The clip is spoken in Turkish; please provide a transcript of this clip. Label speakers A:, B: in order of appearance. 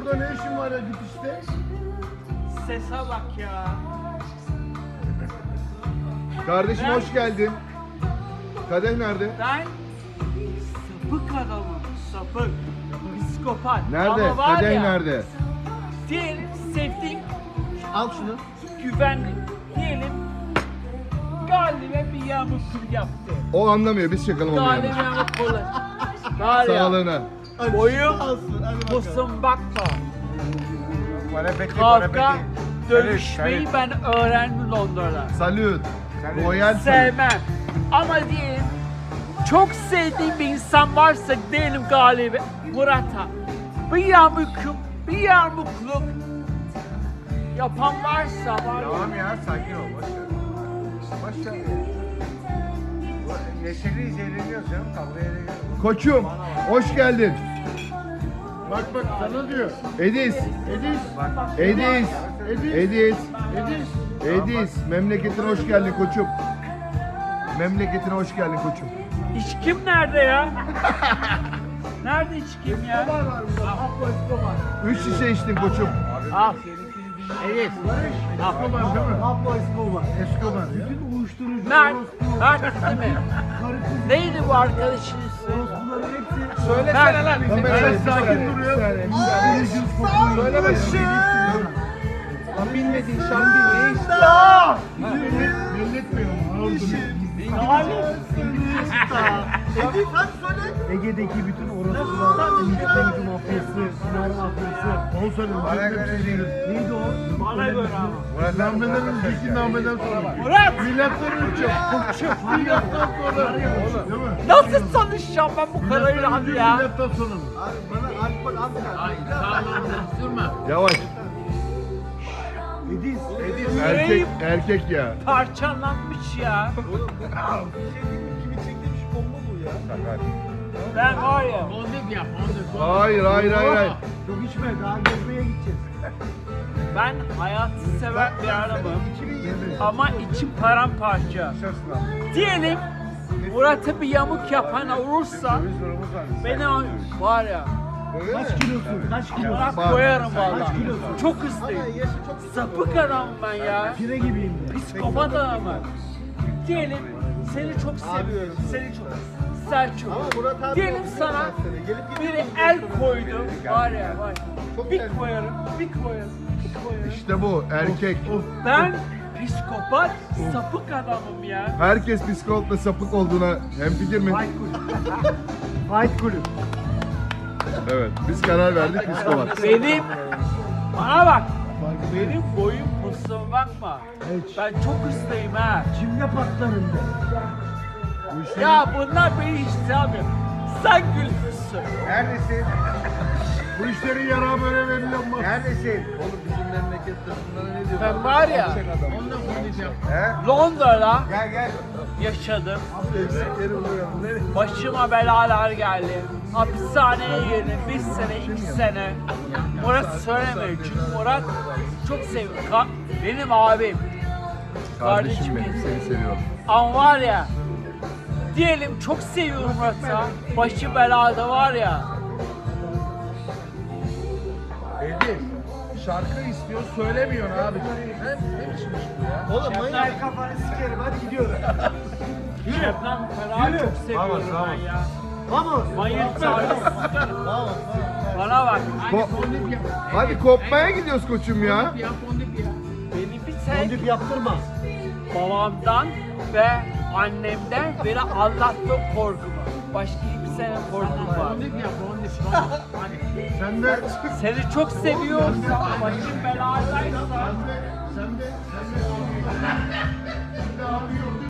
A: burada ne işin var ya gitişte?
B: Sese bak ya.
C: Kardeşim
B: Ben-
C: hoş geldin. Kadeh nerede?
B: Ben sapık adamım. Sapık. Psikopat.
C: Nerede?
B: Ama var
C: Kadeh
B: ya,
C: nerede?
B: Diyelim sevdiğin
A: Al şunu.
B: güvenlik. Diyelim Galip'e bir yağmurluk yaptı.
C: O anlamıyor. Biz çakalım onu
B: Galip'e
C: yani.
B: yağmurluk. Var ya.
C: Sağlığına.
B: Boyum
A: Alsın. Hadi bakalım.
B: posum bakma.
D: Parapeti,
B: Kavga, dövüşmeyi ben öğrendim Londra'da.
C: Salut.
D: Salut.
C: Royal salut.
B: Sevmem. Ama diyelim çok sevdiğim bir insan varsa diyelim Galip'e, Murat'a bir yağmurluk yapan varsa var ya.
D: Tamam ya, sakin ol. Boş ver. Boş ver ya. Bu neşeliyiz, eğleniyoruz canım. Kavgaya eğleniyoruz.
C: Koçum hoş geldin.
A: Bak sana diyor.
C: Edis.
A: Edis.
C: Edis. Edis.
A: Edis.
C: Edis. Memleketine hoş geldin koçum. Memleketine hoş geldin koçum.
B: İçkim nerede ya? Nerede içkim ya?
A: Var burada. Pablo Escobar.
C: 3 şişe içtin koçum.
B: Al. Evet.
A: Escobar değil mi? Pablo Escobar. Escobar. Bütün uyuşturucu.
B: Mert. Mert değil mi? Neydi bu arkadaşın ismi?
A: Bunların hepsi.
B: Söylesene lan.
A: Evet, sakin duruyor.
C: Söyleme.
A: Lan bilmediğin şarkıyı ne işte? Milletmiyor mu? Edis hadi söyle. Ege'deki bütün orospular, İngiltere'deki mafyası, Sinar mafyası. Onu söyle.
D: Bana göre değil.
A: Neydi o?
B: Bana göre ama.
A: Nameden önceki nameden sonra.
B: Murat!
A: Milattan önce. Milattan sonra. Değil mi?
B: Nasıl tanışacağım ben bu karıyla abi ya?
A: Milattan sonra mı?
C: Yavaş.
A: Edis.
C: Erkek erkek ya.
B: Parçalanmış ya.
D: Sakat.
B: Ben var ya.
C: Hayır hayır hayır hayır.
A: Çok içme daha gezmeye gideceğiz.
B: Ben hayatı seven bir adamım. Ama içim paramparça. Diyelim Murat'a bir yamuk yapan olursa
D: Döviz durumumuz var.
B: beni var ya.
A: Kaç kilosun? Kaç kilosun?
B: Murat
C: Bak.
B: koyarım vallahi.
A: Kaç kilosun?
B: Çok hızlıyım. Sapık adamım ben ya.
A: Pire gibiyim de.
B: Psikopat adamım. Diyelim seni çok seviyorum. Seni çok Selçuk. Diyelim sana biri el koydu. Var ya var. Bir koyarım, bir koyarım, bir koyarım.
C: İşte bu erkek.
B: Ben psikopat, sapık adamım ya.
C: Herkes psikolog ve sapık olduğuna hemfikir mi?
A: Fight kulüp.
C: Evet. Biz karar verdik psikopat.
B: Benim, bana bak. Benim boyum posuma bakma. Ben çok hızlıyım ha.
A: Cimle patlarım de.
B: Ya bunlar beni hiç sevmiyor. Sen gülüyorsun.
D: Neredesin?
A: Bu işleri yara böyle veriyor mu?
D: Neredesin?
B: Ben var ya,
D: He?
B: Londra'da
D: Gel gel.
B: yaşadım. Başıma belalar geldi. Hapishaneye girdim. 1 sene, 2 sene. Murat söylemiyor. Çünkü Murat çok seviyor. Benim abim.
C: Kardeşim benim seni seviyorum.
B: Ama var ya, diyelim çok seviyorum Murat'ı. Başı belada var ya.
A: Edis. Şarkı istiyor söylemiyorsun abi. Ne biçim iş bu ya? Oğlum manyak kafanı sikerim hadi gidiyoruz.
B: Şebnem Ferah'ı çok seviyorum ben ya.
A: Vamos.
B: Manyak çağırdım. Bana bak.
C: Hadi kopmaya gidiyoruz koçum ya.
B: Beni bir tek
A: Fondip yaptırma.
B: babamdan ve annemden beni Allah'tan korkumu. Başka kimsenin korkum var.
A: Sen de
B: Seni çok seviyorum. Başım beladaysa.
A: sen de